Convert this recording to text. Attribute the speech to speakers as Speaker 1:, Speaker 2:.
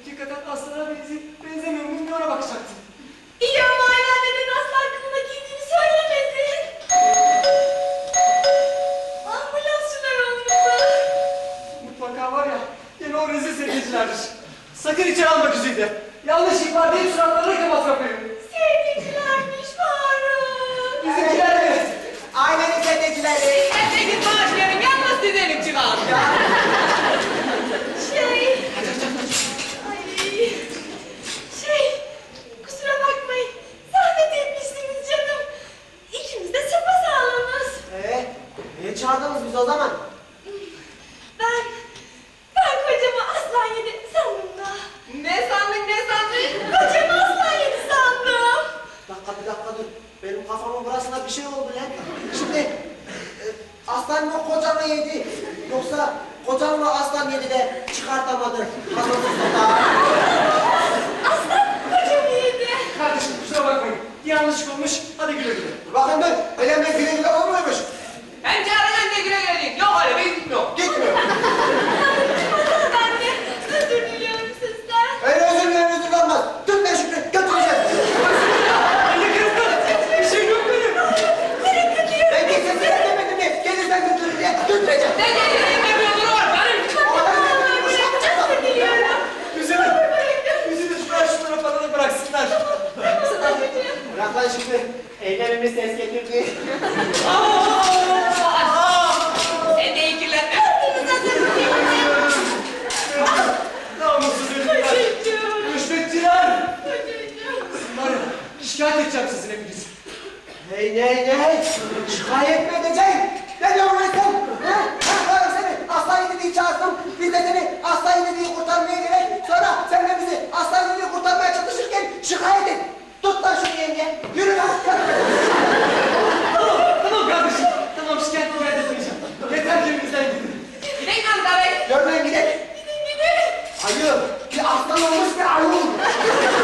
Speaker 1: Hakikaten aslana benzemiyor muyum diye ona bakacaktım.
Speaker 2: İyi ama hala neden aslan kılığına giydiğini söylemedin. Ambulansçılar olmalı.
Speaker 1: Mutlaka var ya, yine o rezil sevgilicilerdir. Sakın içeri alma Güzide. Yanlış ihbar deyip suratlarına kapat kapıyı.
Speaker 2: Sevgilicilermiş Faruk.
Speaker 1: Bizimkiler evet.
Speaker 3: Ailenin sevgilileri.
Speaker 4: Ben de git bağışlayalım, yalnız sizelim çıkalım.
Speaker 2: Kusura bakmayın. Zahmet etmişsiniz canım. İkimiz de sapasağlamız.
Speaker 3: Niye çağırdınız biz o zaman?
Speaker 2: Ben kocamı aslan yedi sandım da.
Speaker 4: Ne sandın, ne sandın?
Speaker 2: Kocamı aslan yedi sandım.
Speaker 3: Bir dakika dur. Benim kafamın burasına bir şey oldu lan. Şimdi aslan mı kocamı yedi? Yoksa kocam mı aslan yedi de çıkartamadı?
Speaker 2: Aslan kocamı yedi.
Speaker 1: Kardeşim kusura bakmayın. Bir yanlışlık olmuş. Hadi güle güle.
Speaker 3: Bakın ben, önemli güle güle olmuyormuş.
Speaker 4: Ben çağıracağım diye güle güle değil. Yok öyle, ben gitmiyorum.
Speaker 3: Gitmiyor.
Speaker 2: Ben de özür diliyorum sizden.
Speaker 3: Öyle özür dilerim olmaz. Tut ben Şükrü, götüreceğim.
Speaker 1: Beni kırdın. Bir şey yok benim.
Speaker 3: Ben kimse size demedim diye. Gelirsen götürür diye götüreceğim.
Speaker 4: Ne geldiğini demiyordur var, benim.
Speaker 2: Özür diliyorum.
Speaker 1: Güzide şunlara paranı bıraksınlar.
Speaker 3: Bırak lan Şükrü. Eylemimiz ses getirdi.
Speaker 4: Sen de iyi kirlenme.
Speaker 1: Namussuz herifler. Rüşvetçiler. Var ya, şikayet edeceğim sizin hepinizi.
Speaker 3: Hey. Şikayet mi edeceksin? Ne diyorsun lan sen? Ha, seni aslan yedi diye çağırdım. Biz de seni aslan yedi diye kurtarmaya gerek. Sonra sen de bizi aslan yedi diye kurtarmaya çalışırken şikayet et. Tut lan şunu yenge. Yürü lan.
Speaker 1: Tamam kardeşim. Tamam şikayet etmeyeceğim. Yeter ki elimizden gidin.
Speaker 4: Gidelim Hamza Bey.
Speaker 3: Görmeyin gidelim. Ayı. Bir aslan olmuş bir ayı olmuş.